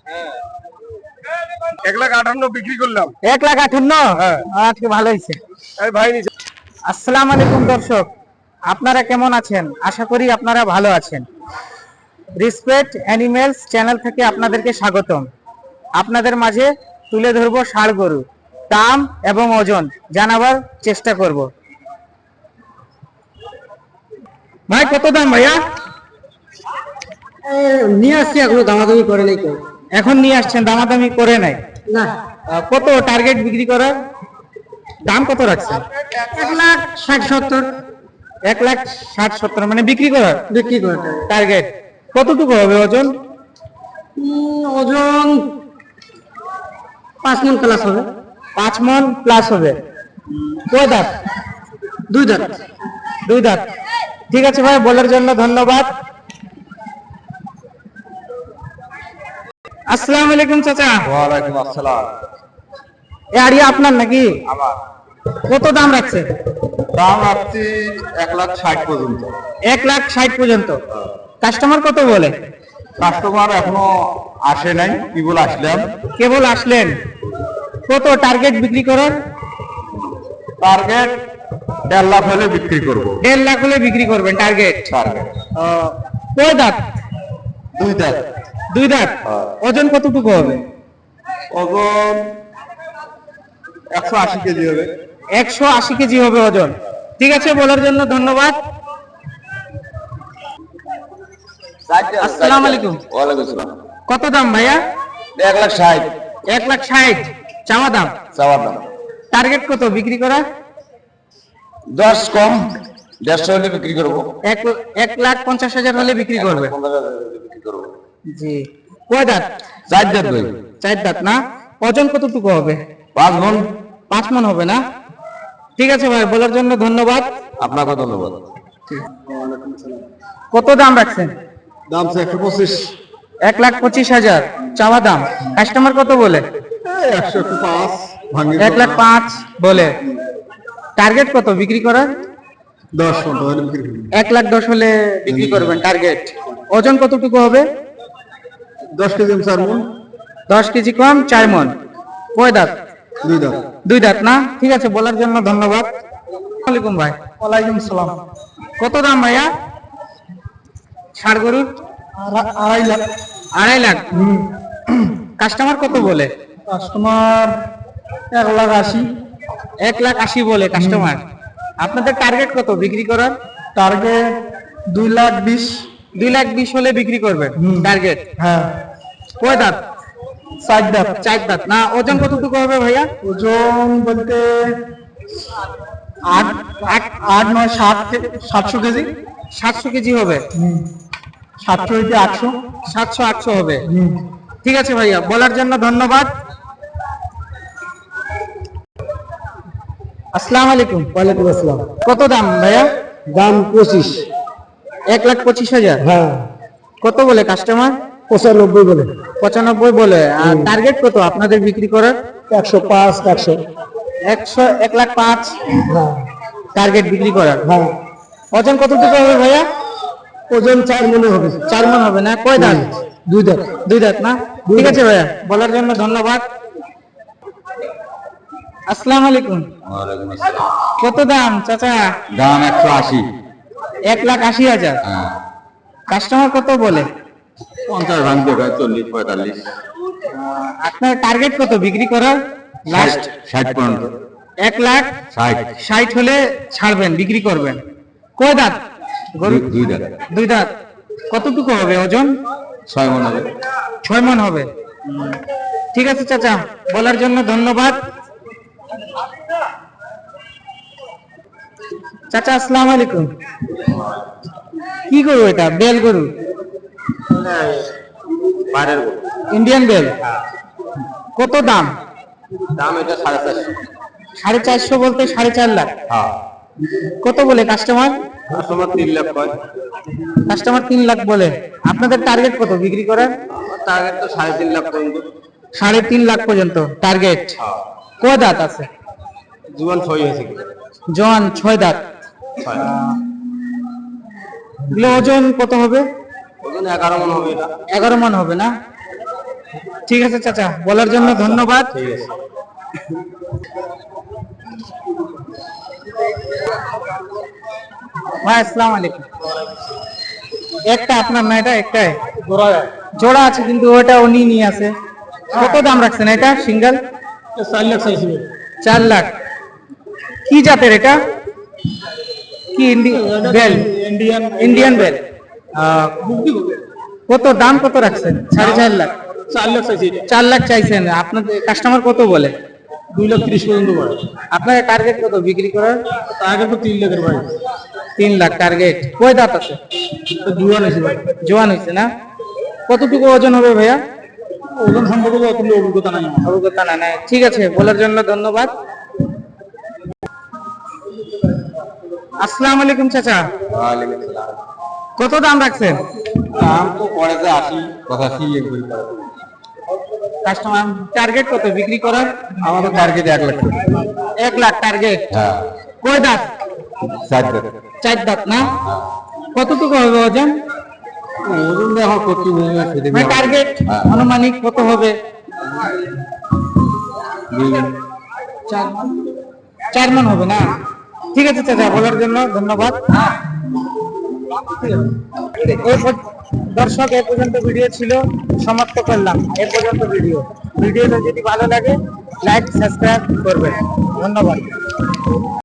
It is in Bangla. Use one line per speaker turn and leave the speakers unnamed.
1,58,000 বিক্রি করলাম।
1,58,000।
হ্যাঁ।
আজকে ভালো হয়েছে।
এই ভাই নিচে।
আসসালামু আলাইকুম দর্শক, আপনারা কেমন আছেন? আশা করি আপনারা ভালো আছেন। রেসপেক্ট অ্যানিমেলস চ্যানেল থেকে আপনাদেরকে স্বাগতম। আপনাদের মাঝে তুলে ধরবো ষাঁড় গরু দাম এবং ওজন জানাবার চেষ্টা করব। ভাই কত দাম ভাইয়া?
নিয়ে আসছি, এখনো দামাদামি করে নাই কেউ।
এখন নিয়ে আসছেন, দামাদামি করে নাই
না,
কত টার্গেট বিক্রি করার? দাম কত রাখছেন?
1,60,70
1,60,70 মানে বিক্রি করার
বিক্রি করে।
টার্গেট কতটুকু হবে ওজন?
ওজন 5 মণ প্লাস হবে।
5 মণ প্লাস হবে। কয় দাঁত?
2 দাঁত।
2 দাঁত। ঠিক আছে ভাই, বলার জন্য ধন্যবাদ। আসসালামু আলাইকুম চাচা।
ওয়ালাইকুম আসসালাম।
এই আড়িয়া আপনার নাকি?
আমার
কত দাম রাখছে?
দাম রাখছি 1,60,000 পর্যন্ত।
1,60,000 পর্যন্ত। কাস্টমার কত বলে?
কাস্টমার এখনো আসে নাই, কেবল আসলাম।
কেবল আসলেন। কত টার্গেট বিক্রি করার?
টার্গেট 1.5 লাখ হলে বিক্রি করবো।
1.5 লাখ হলে বিক্রি করবেন টার্গেট।
টার্গেট
কয় দাঁত?
2 দাঁত।
2 দাঁত। ওজন কতটুকু হবে?
ওজন 180 কেজি হবে।
180 কেজি হবে ওজন। ঠিক আছে, বলার জন্য ধন্যবাদ। আসসালামু আলাইকুম।
ওয়ালাইকুম আসসালাম।
কত দাম ভাইয়া?
1,60,000
1,60,000 চাওয়া দাম।
চাওয়ার দাম।
টার্গেট কত বিক্রি করা?
10 কম 150 হলে বিক্রি করবো।
1,50,000 হলে বিক্রি করবে।
15,000 বিক্রি করবো।
জি। কয় দাঁত?
4 দাঁত ভাই।
4 দাঁত না? ওজন কতটুকু হবে?
5 মণ।
5 মণ হবে না? ঠিক আছে ভাই, বলার জন্য ধন্যবাদ।
আপনাকে ধন্যবাদ।
কত দাম রাখছেন?
দাম 125।
1,25,000 চাওয়া দাম। কাস্টমার কত বলে?
105
1,05,000 বলে। টার্গেট কত বিক্রি করার?
10 হলে বিক্রি করবো।
1,10,000 হলে বিক্রি করবেন টার্গেট। ওজন কতটুকু হবে?
10 কেজি 4 মণ।
10 কেজি কম 4 মণ। কয় দাঁত?
2 দাঁত।
2 দাঁত না? ঠিক আছে, বলার জন্য ধন্যবাদ। আসসালামু আলাইকুম ভাই।
ওয়ালাইকুম সালাম।
কত দাম ভাইয়া ষাঁড় গরুর?
2.5 লাখ।
2.5 লাখ। কাস্টমার কত বলে?
কাস্টমার 1,80,000।
1,80,000 বলে কাস্টমার। আপনাদের টার্গেট কত বিক্রি করার?
টার্গেট 2,20,000।
2,20,000 হলে বিক্রি করবেন টার্গেট।
হ্যাঁ।
কয় দাঁত?
4 দাঁত।
4 দাঁত না? ওজন কতটুকু হবে ভাইয়া?
ওজন বলতে 8, 9, 700 কেজি।
700 কেজি হবে।
700 হইতে 800।
700-800 হবে। ঠিক আছে ভাইয়া, বলার জন্য ধন্যবাদ। আসসালামু আলাইকুম।
ওয়ালাইকুম আসসালাম।
কত দাম ভাইয়া?
দাম 25।
1,25,000।
হ্যাঁ।
কত বলে কাস্টমার?
95 বলে।
95 বলে। আর টার্গেট কত আপনাদের বিক্রি করার?
105, 100।
1,05,000
হ্যাঁ।
টার্গেট বিক্রি করার।
হ্যাঁ।
ওজন কতটুকু হবে ভাইয়া?
ওজন 4 মণ হবে।
4 মণ হবে না? কয় দাঁত?
2 দাঁত।
2 দাঁত না? ঠিক আছে ভাইয়া, বলার জন্য ধন্যবাদ। আসসালামু আলাইকুম।
ওয়ালাইকুম আসসালাম।
কত দাম চাচা?
দাম 180।
1,80,000।
হ্যাঁ।
কাস্টমার কত বলে?
50 ভাঙতে হয়, 40 45।
আপনার টার্গেট কত বিক্রি করার? লাস্ট
60 পর্যন্ত।
1,60,000
60।
হলে ছাড়বেন, বিক্রি করবেন। কয় দাঁত গরু?
2 দাঁত।
2 দাঁত। কতটুকু হবে ওজন?
6 মণ হবে।
6 মণ হবে। ঠিক আছে চাচা, বলার জন্য ধন্যবাদ। চাচা আসসালামু আলাইকুম। কি গরু এটা? বেল গরু?
বাইরের
ইন্ডিয়ান বেল। কত দাম?
দাম এটা 450।
450 বলতে 4.5 লাখ।
হ্যাঁ।
কত বলে কাস্টমার?
কাস্টমার 3 লাখ কয়।
কাস্টমার 3 লাখ বলে। আপনাদের টার্গেট কত বিক্রি করার?
টার্গেট তো 3.5 লাখ পর্যন্ত।
3.5 লাখ পর্যন্ত টার্গেট। কয় দাঁত আছে?
জীবন 6 হয়েছে।
জন 6 দাঁত। ওজন কত হবে?
ওজন 11 মণ হবে এটা।
11 মণ হবে না? ঠিক আছে চাচা, বলার জন্য ধন্যবাদ।
ঠিক আছে।
ভাই আসসালামু আলাইকুম। একটা আপনার না, এটা একটাই জোড়া আছে, কিন্তু ওটা উনি নিয়ে আছে। কত দাম রাখছেন এটা সিঙ্গেল?
4 লাখ চাইছি।
4 লাখ। কি জাতের এটা? কি বেল? Indian bell. কত দাম কত রাখছেন? 4.5 লাখ।
4 লাখ চাইছি।
4 লাখ চাইছেন, আপনাদের কাস্টমার কত বলে?
2 লাখ 30 পর্যন্ত বলে।
আপনার টার্গেট কত বিক্রি করার?
আগে তো 3 লাখের ভাই।
3 লাখ টার্গেট। কয় দাঁত আছে?
তো জুয়ান আছে ভাই।
জোয়ান হয়েছে না? কতটুকু ওজন হবে ভাইয়া?
ওজন সম্পর্কে তো কোনো অভিজ্ঞতা নাই আমার।
অভিজ্ঞতা না নাই। ঠিক আছে, বলার জন্য ধন্যবাদ। আসসালামু আলাইকুম চাচা।
ওয়ালাইকুম সালাম।
কত দাম রাখছেন?
দাম তো পড়ে যে 80 85 এগুলি পড়ে।
কাস্টমার টার্গেট কত বিক্রি করার?
আমাদের টার্গেট 1 লাখ।
1 লাখ টার্গেট।
হ্যাঁ,
কয় দাঁত?
4 দাঁত।
4 দাঁত না? কতটুকু হবে ওজন?
ওজন দেখো কত খেতে
ভাই টার্গেট আনুমানিক কত হবে? 4 মণ হবে না? ঠিক আছে চাচা, বলার জন্য ধন্যবাদ। দর্শক, এ পর্যন্ত ভিডিও ছিল, সমাপ্ত করলাম। এ পর্যন্ত ভিডিওটা যদি ভালো লাগে লাইক সাবস্ক্রাইব করবেন। ধন্যবাদ।